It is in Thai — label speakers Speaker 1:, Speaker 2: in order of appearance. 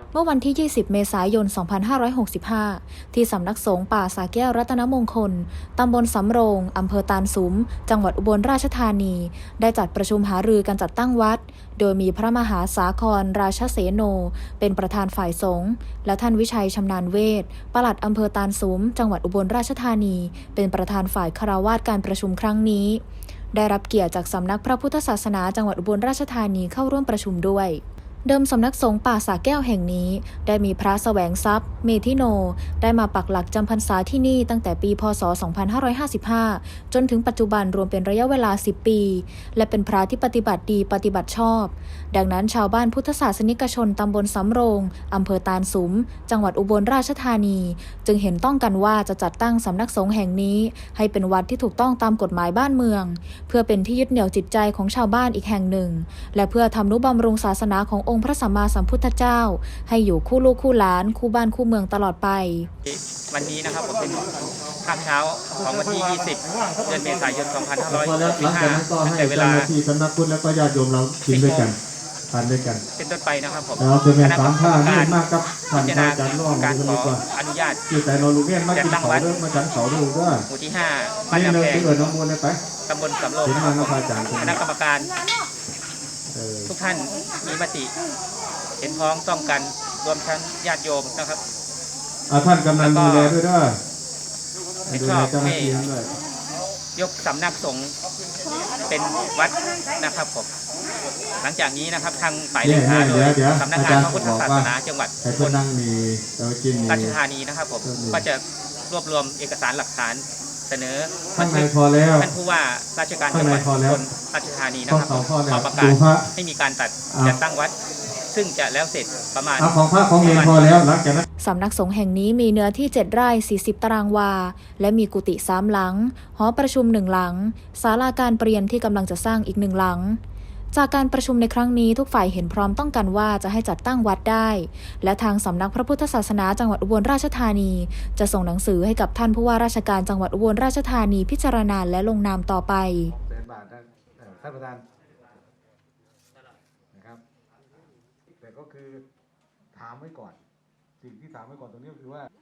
Speaker 1: เมื่อวันที่ 20 เมษายน 2565 ที่สำนักสงฆ์ป่าสาแก้วรัตนมงคล ตำบลสำโรง อำเภอตาลสุม จังหวัดอุบลราชธานี ได้จัดประชุมหารือการจัดตั้งวัด โดยมีพระมหาสาครราชเสโน เป็นประธานฝ่ายสงฆ์ และท่านวิชัยชำนาญเวช ปลัดอำเภอตาลสุม จังหวัดอุบลราชธานี เป็นประธานฝ่ายฆราวาสการประชุมครั้งนี้ ได้รับเกียรติจากสำนักพระพุทธศาสนาจังหวัดอุบลราชธานีเข้าร่วมประชุมด้วยเดิมสำนักสงฆ์ป่าสาแก้วแห่งนี้ได้มีพระแสวงทรัพย์เมธิโนได้มาปักหลักจำพรรษาที่นี่ตั้งแต่ปีพ.ศ. 2555 จนถึงปัจจุบันรวมเป็นระยะเวลา 10 ปีและเป็นพระที่ปฏิบัติดีปฏิบัติชอบดังนั้นชาวบ้านพุทธศาสนิกชนตำบลสำโรงอำเภอตาลสุมจังหวัดอุบลราชธานีจึงเห็นต้องกันว่าจะจัดตั้งสำนักสงฆ์แห่งนี้ให้เป็นวัดที่ถูกต้องตามกฎหมายบ้านเมืองเพื่อเป็นที่ยึดเหนี่ยวจิตใจของชาวบ้านอีกแห่งหนึ่งและเพื่อทำนุบำรุงศาสนาขององค์พระสัมมาสัมพุทธเจ้าให้อยู่คู่ลูกคู่หลานคู่บ้านคู่เมืองตลอดไป
Speaker 2: วันนี้นะครับผมเป็นข้ามเช้าของวันที่ 20 เดือนเมษายน 2565 ตั้งแต่เวลา
Speaker 3: ที่สำนักพุทธแล้วก็ญาติโยมเรากินด้วยกันทานด้วยกัน
Speaker 2: เป็นต้นไปนะครับผม
Speaker 3: เราเป็นสามท่านี่มากครับท่านอาจารย์ร่วม
Speaker 2: การขออนุญาต
Speaker 3: ที่แต่นรูเวียนมากินเขาเรื่องมาฉันเขาดูด้วย
Speaker 2: หมู่ที่5บ้าน
Speaker 3: น้ำแพงที่เกิดน้องมูลเลยไป
Speaker 2: ตำบลสำโรงคณะกรรมการทุกท่านมีมติเห็นพ้องต้องกันรวมทั้งญาติโยมนะครับ
Speaker 3: ท่านกำนันดูแลด้วยด้วย
Speaker 2: เห็นชอบให้ยกสำนักสงฆ์เป็นวัดนะครับผมหลังจากนี้นะครับทางฝ่ายเลขาโดยสำนักงานพระพุทธศาสนาจังหวัดอุบลราชธานีนะครับผมก็จะรวบรวมเอกสารหลักฐานเสนอ
Speaker 3: ท่าน
Speaker 2: ผู้ว่าราชการจังหวัดอุบลราชธานีนะครับขอประกาศให้มีการจัดตั้งวัดซึ่งจะแล้วเสร็จประมาณ
Speaker 3: ของพระของเนรพอแล้วหลังจากนั้น
Speaker 1: สำนักสงฆ์แห่งนี้มีเนื้อที่ 7 ไร่ 40 ตารางวาและมีกุฏิ3 หลังหอประชุม1 หลังศาลาการประเรียนที่กำลังจะสร้างอีก1 หลังจากการประชุมในครั้งนี้ทุกฝ่ายเห็นพร้อมต้องกันว่าจะให้จัดตั้งวัดได้และทางสำนักพระพุทธศาสนาจังหวัดอุบลราชธานีจะส่งหนังสือให้กับท่านผู้ว่าราชการจังหวัดอุบลราชธานีพิจารณาและลงนามต่อไป
Speaker 3: ท่านประธานนะครับแต่ก็คือถามไว้ก่อนสิ่งที่ถามไว้ก่อนตรงนี้ก็คือว่า